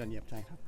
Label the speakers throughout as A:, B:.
A: อดเยี่ยมใช่ครับ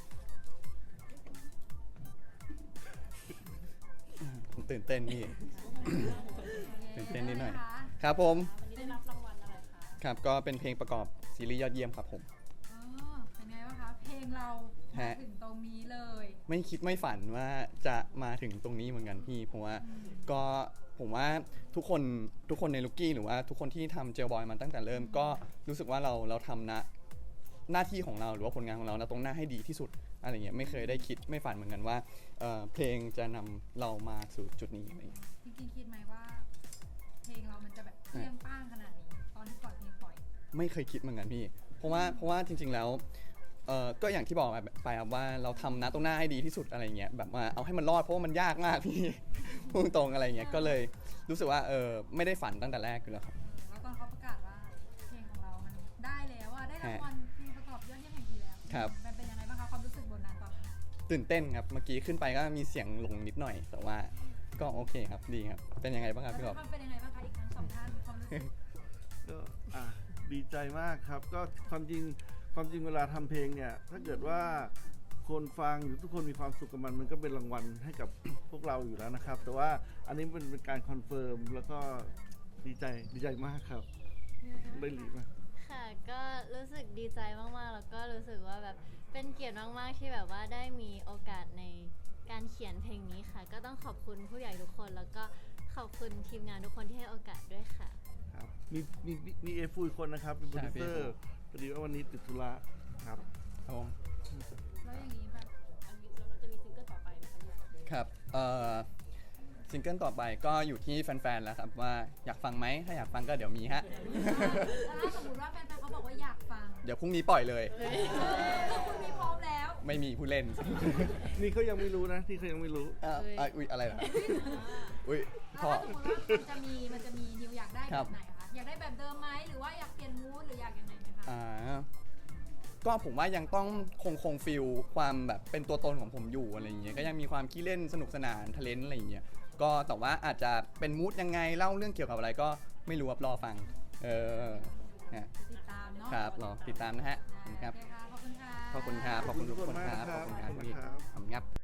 A: ผมตื่นเต้นนี่ ตื่นเต้นนิดหน่อยครับผม
B: วันนี้ได้รับรางวัลอะไรคะ
A: ครับก็เป็นเพลงประกอบซีรีส์ยอดเยี่ยมครับผม
C: เป็นไงบ้างคะเพลงเรามาถึงตรงนี้เลย
A: ไม่คิดไม่ฝันว่าจะมาถึงตรงนี้เหมือนกันพี่เพราะว่าก็ผมว่าทุกคนในลูกกี้หรือว่าทุกคนที่ทำเจลบอยมาตั้งแต่เริ่มก็รู้สึกว่าเราทำหน้าที่ของเราหรือว่าผลงานของเราตรงหน้าให้ดีที่สุดอะไรเงี้ยไม่เคยได้คิดไม่ฝันเหมือนกันว่าเพลงจะนำเรามาสู่จุดนี้อะไรเงี้ย
C: จริงๆคิดไหมว่า เพลงเรามันจะแบบเปรี้ยงป้างขนาดนี้ตอนที่ก่อนเพลงปล่อย
A: ไม่เคยคิดเหมือนกันพี่เพราะว่าจริงๆแล้วก็อย่างที่บอกไปครับว่าเราทำตรงหน้าให้ดีที่สุดอะไรเงี้ยแบบว่าเอาให้มันรอดเพราะว่ามันยากมากพี่ พูดตรงอะไรเงี้ยก็เลยรู้สึกว่าไม่ได้ฝันตั้งแต่แรกอยู่แล้วครับ
C: แล้วตอนเขาประกาศว่าเพลงของเรามันได้แล้วได้รางวัลเพลงประกอบยอดเยี่ยมแห่งปีแล้ว
A: ครับ
C: มันเป็นยังไงบ้างคะความรู้สึกบนนั้นตอนนั้น
A: ตื่นเต้นครับเมื่อกี้ขึ้นไปก็มีเสียงหลงนิดหน่อย แต่ว่าก็โอเคครับดีครับเป็นยังไงบ้างครับพี่ก
C: แล้
A: อ
C: ว
A: ฟ
C: มันเป็นยังไงบ้างคะอีกทั้งสองท่านความรู้สึก
D: ก็ดีใจมากครับก็ความจริงเวลาทำเพลงเนี่ยถ้าเกิดว่าคนฟังหรือทุกคนมีความสุขกับมันก็เป็นรางวัลให้กับ พวกเราอยู่แล้วนะครับ แต่ว่าอันนี้เป็นการคอนเฟิร์มแล้วก็ดีใจมากครับได้หลีมาก
B: ค่ะก็รู้สึกดีใจมากๆแล้วก็รู้สึกว่าแบบเป็นเกียรติมากๆที่แบบว่าได้มีโอกาสในการเขียนเพลงนี้ค่ะ ก็ต้องขอบคุณผู้ใหญ่ทุกคนแล้วก็ขอบคุณทีมงานทุกคนที่ให้โอกาสด้วยค่ะ
D: ครับมีเอฟูอีกคนนะครับเป็นโปรดิวเซอร์พอดีว่าวันนี้ติดธุระครับ
A: ครับผม
C: แล้วอย่างนี้แบบ
B: อันนี้เราจะมีซิงเกิลต่อไปไหมคะเนี่ย
A: ครับซิงเกิลต่อไปก็อยู่ที่แฟนๆแล้วครับว่าอยากฟังไหมถ้าอยากฟังก็เดี๋ยวมีฮะ
C: ถ้าสมมติว่าแฟนๆเขาบอกว่าอยากฟัง
A: เดี๋ยวพรุ่งนี้ปล่อยเลย
C: คือคุณมีพร้อมแล้ว
A: ไม่มีผู้เล่น
D: นี่เขายังไม่รู้นะที่เขายังไม่รู้
A: อุ๊ยอะไรเหรออุ๊ย
C: แล้ว
A: พ่อ
C: ถ้าสมมติว่ามันจะมีนิวอยากได้แบบไหนคะอยากได้แบบเดิมไหมหรือว่าอยากเปลี่ยนมูดหรืออยากยังไงไหมคะ
A: ก็ผมว่ายังต้องคงฟิลความแบบเป็นตัวตนของผมอยู่อะไรอย่างเงี้ยก็ยังมีความขี้เล่นสนุกสนานทะเลนอะไรอย่างเงี้ยก็แต่ว่าอาจจะเป็นมูดยังไงเล่าเรื่องเกี่ยวกับอะไรก็ไม่รู้ครับรอฟังฮะ
C: ติดตามเนาะ
A: ครับรอติดตามนะฮะขอบคุณครับ
C: โอเคค่ะขอบคุณค่ะ
A: ขอบคุณครับขอบคุณทุกคนครับขอบคุณครับ
D: ขอบคุณครับ
A: ขอบคุณครับ